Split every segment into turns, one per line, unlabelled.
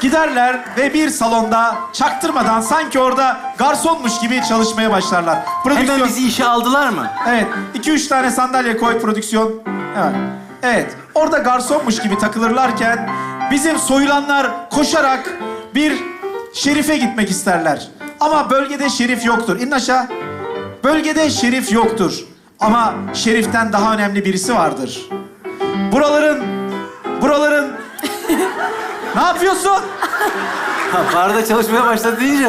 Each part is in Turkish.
Giderler ve bir salonda çaktırmadan sanki orada garsonmuş gibi çalışmaya başlarlar.
Hemen bizi işe aldılar mı?
Evet. 2-3 tane sandalye koy prodüksiyon. Evet. Evet. Orada garsonmuş gibi takılırlarken bizim soyulanlar koşarak bir şerife gitmek isterler. Ama bölgede şerif yoktur. İn aşağı. Bölgede şerif yoktur. Ama şeriften daha önemli birisi vardır. Buraların... Ne yapıyorsun?
Ha, barda çalışmaya başladı deyince.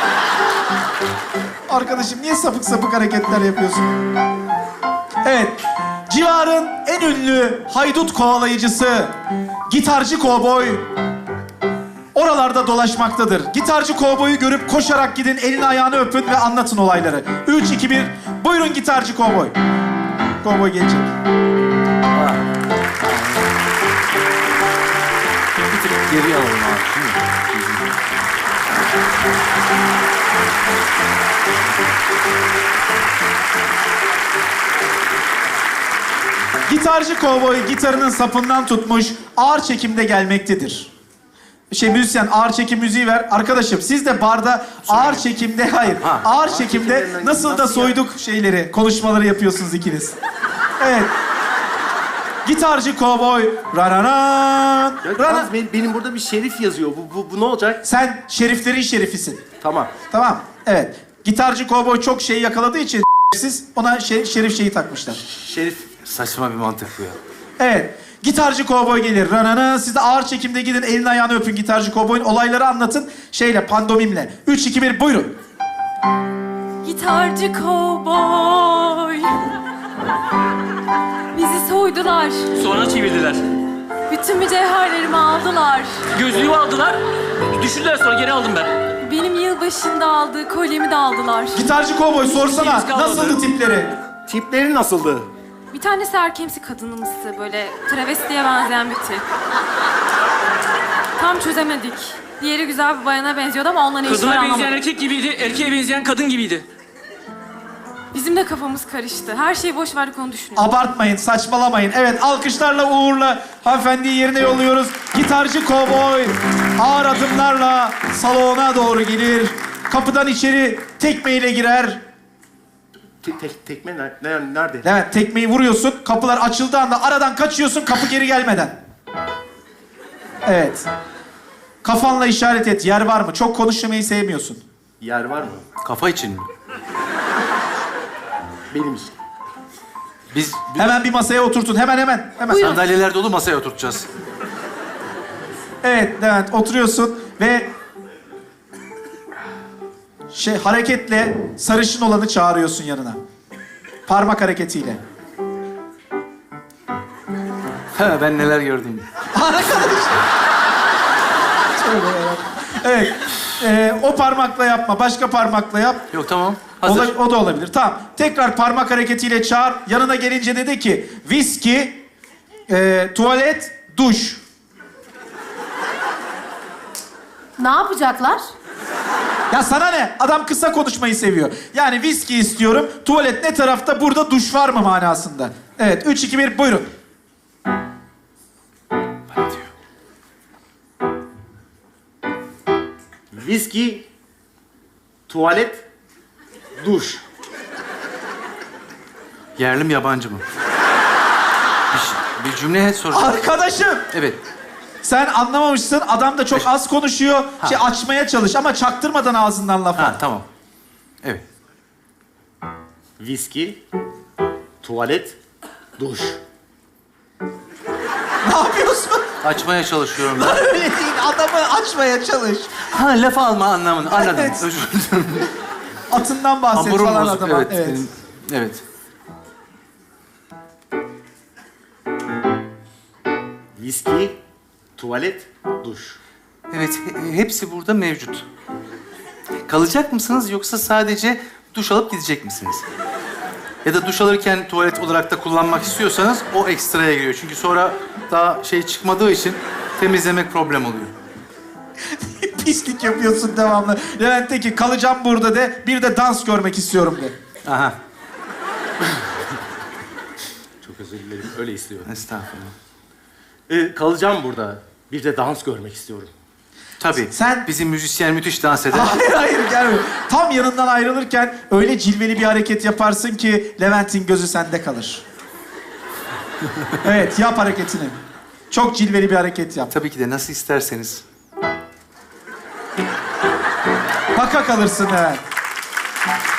Arkadaşım niye sapık sapık hareketler yapıyorsun? Evet. Civarın en ünlü haydut kovalayıcısı gitarcı kovboy oralarda dolaşmaktadır. Gitarcı kovboyu görüp koşarak gidin, elini ayağını öpün ve anlatın olayları. 3, 2, 1. Buyurun gitarcı kovboy. Kovboy gelecek.
Ha. Bir tık geri alalım abi. Değil mi?
Gitarcı kovboy gitarının sapından tutmuş, ağır çekimde gelmektedir. Müzisyen ağır çekim müziği ver. Arkadaşım siz de barda ağır çekimde, hayır, ağır çekimde nasıl da soyduk şeyleri, konuşmaları yapıyorsunuz ikiniz. Evet. Gitarcı kovboy, rananan,
Yalnız benim burada bir şerif yazıyor. Bu ne olacak?
Sen şeriflerin şerifisin.
Tamam.
Tamam, evet. Gitarcı kovboy çok şey yakaladığı için siz ona şerif şeyi takmışlar.
Şerif.
Saçma bir mantık bu ya.
Evet. Gitarcı kovboy gelir. Ranana. Siz de ağır çekimde gidin. Elini ayağını öpün gitarcı kovboyun. Olayları anlatın. Pandomimle. 3, 2, 1. Buyurun.
Gitarcı kovboy. Bizi soydular.
Sonra çevirdiler.
Bütün mücevherlerimi aldılar.
Gözlüğümü aldılar. Düşürdüler sonra geri aldım ben.
Benim yılbaşında aldığı kolyemi de aldılar.
Gitarcı kovboy sorsana.
şeyimiz kalmadı.
Nasıldı tipleri?
Tipleri nasıldı?
Bir tanesi erkemsi kadınımsı, böyle travestiye benzeyen bir tip. Tam çözemedik. Diğeri güzel bir bayana benziyordu ama onunla ne işler
Kadına benzeyen
anlamadım.
erkek gibiydi, erkeğe benzeyen kadın gibiydi.
Bizim de kafamız karıştı. Her şeyi boş verdik, onu düşünüyoruz.
Abartmayın, saçmalamayın. Evet, alkışlarla uğurla hanımefendiyi yerine yolluyoruz. Gitarcı kovboy ağır adımlarla salona doğru gelir. Kapıdan içeri tekmeyle girer.
Tekme nerede?
Evet, tekmeyi vuruyorsun. Kapılar açıldığı anda aradan kaçıyorsun kapı geri gelmeden. Evet. Kafanla işaret et. Yer var mı? Çok konuşmayı sevmiyorsun.
Yer var mı?
Kafa için mi?
Benim için.
Biz
Hemen bir masaya oturtun. Hemen.
sandalyeler dolu masaya oturtacağız.
Evet, Levent oturuyorsun ve hareketle sarışın olanı çağırıyorsun yanına. Parmak hareketiyle.
Ha, ben neler gördüm.
Evet. O parmakla yapma. Başka parmakla yap.
Yok tamam. Hazır.
O da olabilir. Tamam. Tekrar parmak hareketiyle çağır. Yanına gelince dedi ki viski, tuvalet, duş.
Ne yapacaklar?
Ya sana ne? Adam kısa konuşmayı seviyor. Yani viski istiyorum. Tuvalet ne tarafta? Burada duş var mı manasında? Evet. 3, 2, 1. Buyurun.
Viski, tuvalet, duş.
Yerli mi yabancı mı? Bir cümle soracağım.
Arkadaşım.
Evet.
Sen anlamamışsın. Adam da çok az konuşuyor. Açmaya çalış ama çaktırmadan ağzından laf al.
Ha tamam. Evet.
Viski, tuvalet, duş.
Ne yapıyorsun?
Açmaya çalışıyorum ben.
Öyle değil. Adamı açmaya çalış.
Ha laf alma anlamını anladım.
Evet.
Özür dilerim.
Atından bahset
Hamurum
falan
bozuk.
adama.
Evet. Evet.
Viski, tuvalet, duş.
Evet. Hepsi burada mevcut. Kalacak mısınız yoksa sadece duş alıp gidecek misiniz? Ya da duş alırken tuvalet olarak da kullanmak istiyorsanız o ekstraya giriyor. Çünkü sonra daha çıkmadığı için temizlemek problem oluyor.
Pislik yapıyorsun devamlı. Levent de ki kalacağım burada de. Bir de dans görmek istiyorum de.
Aha.
Çok özür dilerim, öyle istiyorum.
Estağfurullah.
Kalacağım burada. Bir de dans görmek istiyorum.
Tabii.
Sen-
Bizim müzisyen müthiş dans eder.
Hayır hayır gelme. Tam yanından ayrılırken öyle cilveli bir hareket yaparsın ki Levent'in gözü sende kalır. Evet yap hareketini. Çok cilveli bir hareket yap.
Tabii ki de nasıl isterseniz.
Baka kalırsın Levent.